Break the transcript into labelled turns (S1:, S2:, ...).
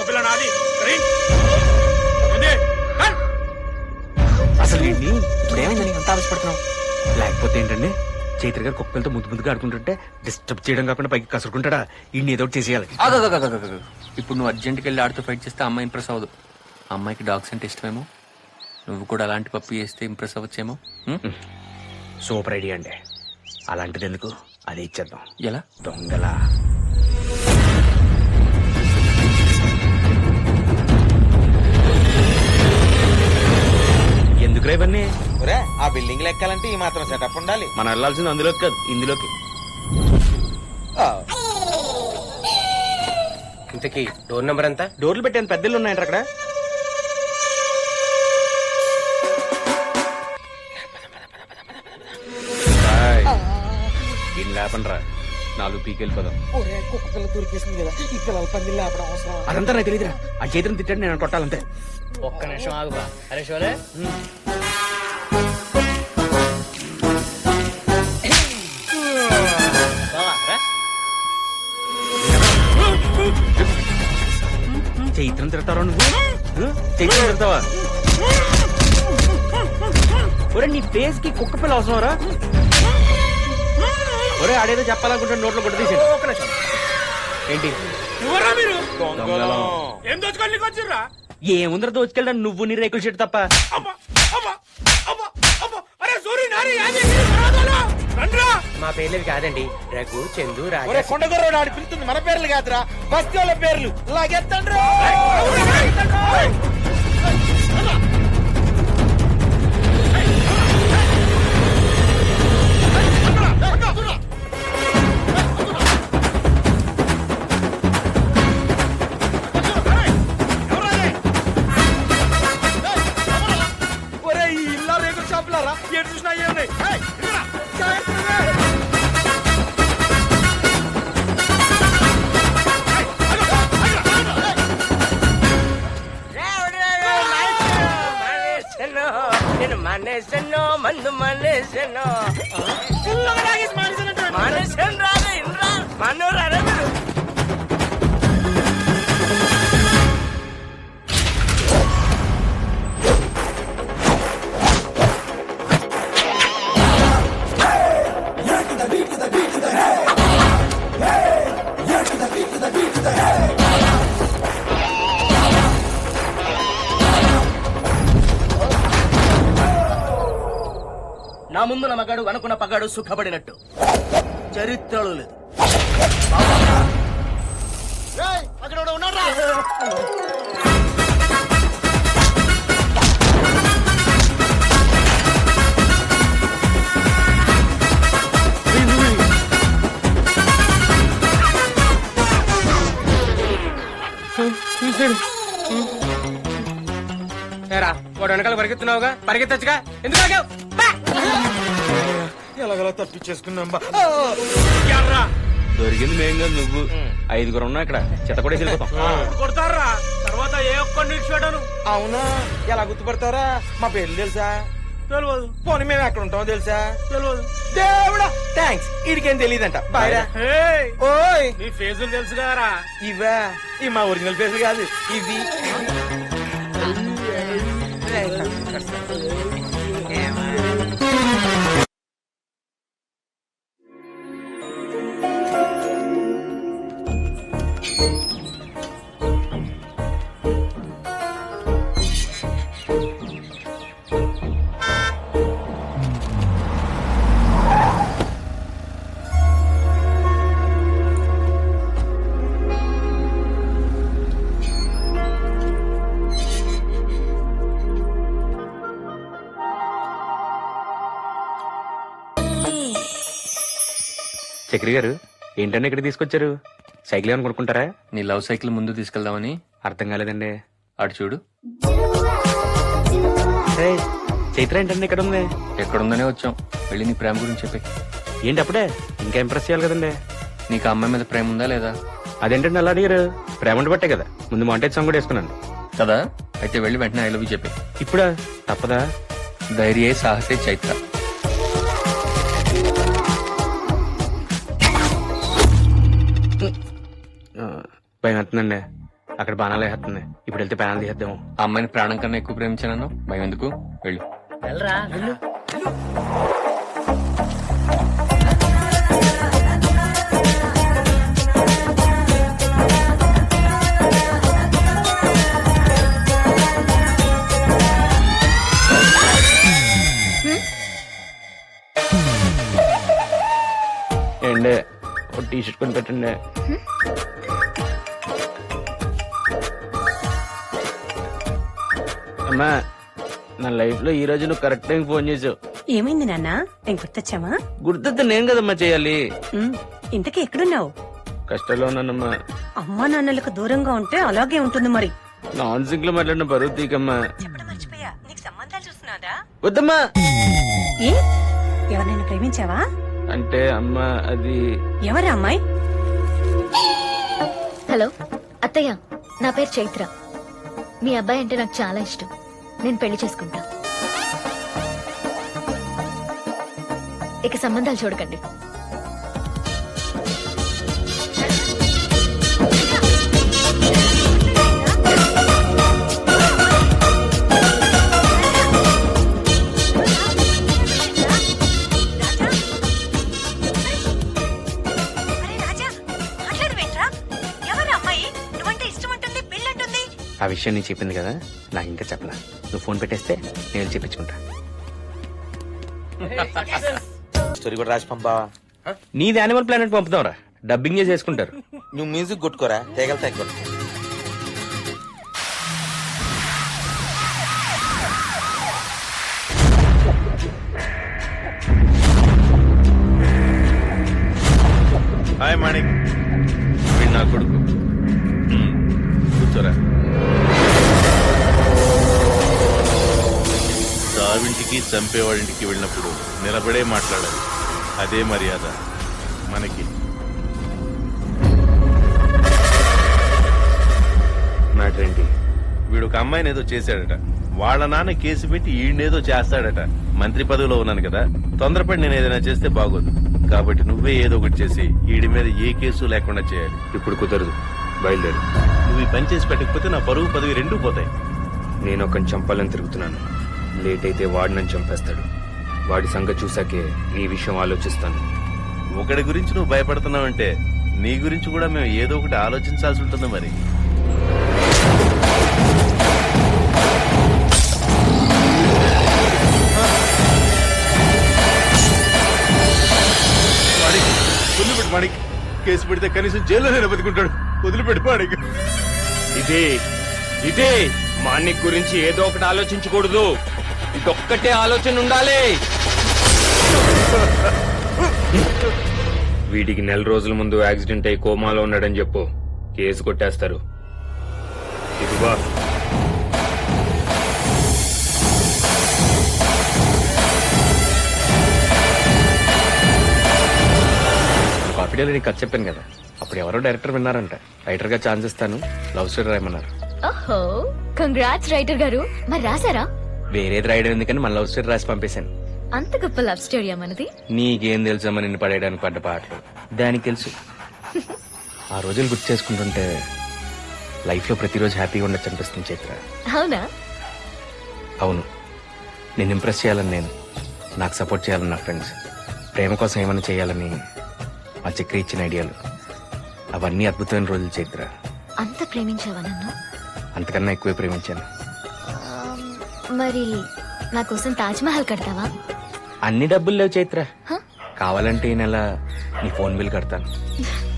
S1: కుక్కపిల్ల నాది.
S2: అసలు వీడిని ఇప్పుడు ఏమైందని అంత ఆవేశపడుతున్నావు? లేకపోతే ఏంటండి, చైత్ర గారు కుక్కలతో ముద్దు ముద్దుగా ఆడుకుంటుంటే డిస్టర్బ్ చేయడం కాకుండా పైకి కసురుకుంటాడా? ఈయన ఏదో ఒకటి చేసేయాలి.
S3: ఇప్పుడు నువ్వు అర్జెంట్కి వెళ్ళి ఆడుతూ ఫైట్ చేస్తే అమ్మాయి ఇంప్రెస్ అవ్వదు. అమ్మాయికి డాగ్స్ అంటే ఇష్టమేమో. నువ్వు కూడా అలాంటి పప్పు చేస్తే ఇంప్రెస్ అవ్వచ్చేమో.
S2: సూపర్ ఐడియా అండి. అలాంటిది ఎందుకు, అది ఇచ్చేద్దాం.
S3: ఎలా?
S2: దొంగలా. ఎందుకు రేవన్నీ?
S4: ఆ బిల్డింగ్ లెక్కాలంటే ఈ మాత్రం సెటప్ ఉండాలి.
S2: మనం వెళ్ళాల్సింది అందులోకి కాదు, ఇందులోకి.
S5: ఇంతకీ డోర్ నెంబర్ ఎంత?
S2: డోర్లు పెట్టాను, పెద్దలు ఉన్నాయంట అక్కడ. దీన్ని లేపండ్రా, 4 పీకి వెళ్ళిపోదాం.
S4: కుక్క పిల్ల దొరికేసింది కదా, ఈ పిల్లల పంది లేపడం అవసరం.
S2: అదంతా నాకు తెలియదురా. ఆ చేతిని తిట్టాడు, నేను కొట్టాలంతే.
S5: ఒక్క నిమిషం ఆగుబా. అరే షోలే,
S2: చైత్రం తిడతావా నువ్వు? చైత్రం తిడతావా? ఒరే, నీ ఫేస్ కి కుక్క పిల్ల అవసరం రా. ఒరే, ఆడేదో చెప్పాలనుకుంటే నోట్లో కొట్ట తీసి. ఏంటి
S1: ఏం దోచుకోవాలి వచ్చిర్రా?
S2: ఏముందర దోచుకెళ్ళా నువ్వు నీ రేకుల షెట్ తప్ప.
S5: మా పేర్లు కాదండి, రఘు, చందు,
S4: ఒరే కొండగొర్రోడు ఆడి పిలుతుంది మన పేర్లు కాదురా, బస్తీ వాళ్ళ పేర్లు. లాగెత్తండ్రు. ఒరే, ఈ ఇల్లా రేకుల షాపులారా, ఎటు చూసినా ఏమున్నాయి.
S5: నేను మానేసాను, మందు మానేసాను. మానేసాను రాదు ఇంద్రా, మన్ను రారా మీరు. నా ముందు మగాడు అనుకున్న పగాడు సుఖపడినట్టు చరిత్రలో లేదు. అక్కడ ఉన్నారా? వాడు వెనకాల పరిగెత్తున్నావుగా, పరిగెత్తచ్చుగా, ఎందుకు ఆగావు?
S4: ఎలాగలా తప్పించేసుకున్నాం.
S2: దొరికింది మేం కాదు, నువ్వు. 5 ఉన్నా ఇక్కడ, చెత్త కూడా వెళ్ళిపోతాం.
S1: కొడతారా తర్వాత ఏ ఒక్కడిని ఇచ్చిపెట్టాను.
S4: అవునా, ఎలా గుర్తుపడతారా? మా పేర్లు తెలుసా?
S1: తెలియదు.
S4: పోనీ మేము ఎక్కడ ఉంటామో తెలుసా?
S1: తెలియదు.
S4: దేవుడా, థ్యాంక్స్. ఇడికేం తెలియదంట. బాయ్రా. ఓయ్,
S1: నీ ఫేజులు తెలుసు కదరా.
S4: ఇవా? ఇవి మా ఒరిజినల్ పేర్లు కాదు, ఇవి.
S2: చక్రి గారు, ఏంటంటే ఇక్కడ తీసుకొచ్చారు? సైకిల్ ఏమైనా కొనుక్కుంటారా?
S3: నీ లవ్ సైకిల్ ముందు తీసుకెళ్దామని.
S2: అర్థం కాలేదండి.
S3: అటు చూడు.
S2: చైత్ర ఏంటండి ఇక్కడ ఉంది?
S3: ఎక్కడుందనే వచ్చాం. వెళ్ళి నీ ప్రేమ గురించి చెప్పి.
S2: ఏంటి అప్పుడే? ఇంకా ఇంప్రెస్ చేయాలి కదండి.
S3: నీకు ఆ అమ్మాయి మీద ప్రేమ ఉందా లేదా?
S2: అదేంటండి అలా అడిగారు? ప్రేమ ఉండి బట్టే కదా ముందు మాంటేజ్ సాంగ్ కూడా వేసుకున్నాను
S3: కదా. అయితే వెళ్ళి వెంటనే ఐ లవ్ యూ చెప్పి.
S2: ఇప్పుడా? తప్పదా?
S3: ధైర్యే సాహసే చైత్ర.
S2: భయం అవుతుందండి. అక్కడ బాణాలు వేస్తుంది. ఇప్పుడు వెళ్తే బాణాలు తీసేద్దాము.
S3: ఆ అమ్మాయిని ప్రాణం కన్నా ఎక్కువ ప్రేమించాను. భయం ఎందుకు? వెళ్ళు.
S5: వెళ్ళరా వెళ్ళు.
S2: ఏండే ఒక టీ షర్ట్ కొని పెట్టండి. అమ్మా, నా లైఫ్ లో ఈ రోజు నువ్వు కరెక్ట్ టైం ఫోన్ చేసావు.
S6: ఏమైంది నాన్న? నేను గుర్తొచ్చావా?
S2: గుర్తొస్తే నేను కదమ్మా చేయాలి.
S6: ఇంతకీ ఎక్కడున్నావు?
S2: కష్టాల్లో ఉన్నానమ్మా.
S6: అమ్మా నాన్నలకు దూరంగా ఉంటే అలాగే ఉంటుంది మరి.
S2: నాన్ సింక్ లో మాట్లాడిన బరువు తీకమ్మా.
S6: చెప్పడం మర్చిపోయా, నీకు సంబంధాలు చూస్తున్నారా?
S2: వద్దమ్మా.
S6: ఏ ఎవరినైనా ప్రేమించావా?
S2: అంటే అమ్మా అది
S6: ఎవరా అమ్మాయి?
S7: హలో అత్తయ్య, నా పేరు చైత్ర. మీ అబ్బాయి అంటే నాకు చాలా ఇష్టం. నేను పెళ్లి చేసుకుంటా. ఇక సంబంధాలు చూడకండి.
S2: ఆ విషయం నేను చెప్పింది కదా, నాకు ఇంకా చెప్పలా. నువ్వు ఫోన్ పెట్టేస్తే నేను చెప్పించుకుంటా.
S4: స్టోరీ కూడా రాసి పంపావా?
S2: నీది యానిమల్ ప్లానెట్ పంపుతావురా, డబ్బింగ్ చేసి వేసుకుంటారు.
S4: నువ్వు మ్యూజిక్ కొట్టుకోరా, తేగలు తగ్గలు.
S8: హాయ్ మాణిక్, వీడు నా కొడుకు. కూర్చోరా. చావింటికి చంపేవాడింటికి వెళ్ళినప్పుడు నిలబడే మాట్లాడాలి. అదే మర్యాద మనకి.
S2: మ్యాటర్ ఏంటి?
S8: వీడు ఒక అమ్మాయిని ఏదో చేశాడట. వాళ్ళ నాన్న కేసు పెట్టి ఈయనేదో చేస్తాడట. మంత్రి పదవిలో ఉన్నాను కదా, తొందరపడి నేను ఏదైనా చేస్తే బాగోదు. కాబట్టి నువ్వే ఏదో ఒకటి చేసి ఈడి మీద ఏ కేసు లేకుండా చేయాలి.
S2: ఇప్పుడు కుదరదు, బయలుదేరు.
S8: నువ్వు ఈ పని చేసి పెట్టకపోతే నా పరువు పదవి రెండూ పోతాయి.
S2: నేను ఒకని చంపాలని తిరుగుతున్నాను. లేట్ అయితే వాడు నన్ను చంపేస్తాడు. వాడి సంగతి చూసాకే నీ విషయం ఆలోచిస్తాను.
S8: ఒకడి గురించి నువ్వు భయపడుతున్నావంటే నీ గురించి కూడా మేము ఏదో ఒకటి ఆలోచించాల్సి ఉంటుంది మరి. వదిలిపెట్టు మాణిక్. కేసు పెడితే కనీసం జైల్లోనే బతుకుంటాడు. వదిలిపెట్టు మాణిక్.
S2: ఇదే మాణిక్ గురించి ఏదో ఒకటి ఆలోచించకూడదు. ఇదొక్కటే ఆలోచన ఉండాలి. వీడికి 4 రోజుల ముందు యాక్సిడెంట్ అయి కోమాలో ఉన్నాడని చెప్పు, కేసు కొట్టేస్తారు. ఇదిగో కాపీడీలో నీకు కథ చెప్పాను కదా, అప్పుడు ఎవరో డైరెక్టర్ విన్నారంట. రైటర్ గా ఛాన్స్ ఇస్తాను, లవ్ స్టోరీ రాయమన్నారు.
S7: ఓహో, కంగ్రాట్స్ రైటర్ గారు. మరి రాసారా?
S2: వేరేది రాయడం ఎందుకని మన లవ్ స్టోరీ రాసి పంపేశాను.
S7: అంత గొప్ప లవ్ స్టోరీ మనది.
S2: నీకేం తెలుసమ్మా నిన్ను పడేయడానికి పడ్డ పాటలు. దానికి తెలుసు. ఆ రోజులు గుర్తు చేసుకుంటుంటే లైఫ్ లో ప్రతిరోజు హ్యాపీగా ఉండొచ్చు అనిపిస్తుంది చైత్ర.
S7: అవునా?
S2: అవును. నేను ఇంప్రెస్ చేయాలని నేను, నాకు సపోర్ట్ చేయాలని నా ఫ్రెండ్స్, ప్రేమ కోసం ఏమైనా చేయాలని మా చక్రి ఇచ్చిన ఐడియాలు, అవన్నీ అద్భుతమైన రోజులు చైత్ర.
S7: అంత ప్రేమించావా నన్ను?
S2: అంతకన్నా ఎక్కువే ప్రేమించాను.
S7: మరి నా కోసం తాజ్ మహల్ కడతావా?
S2: అన్ని డబ్బులు లేవు చైత్ర.
S7: హ?
S2: కావాలంటే ఈ నెల నీ ఫోన్ బిల్ కడతాను.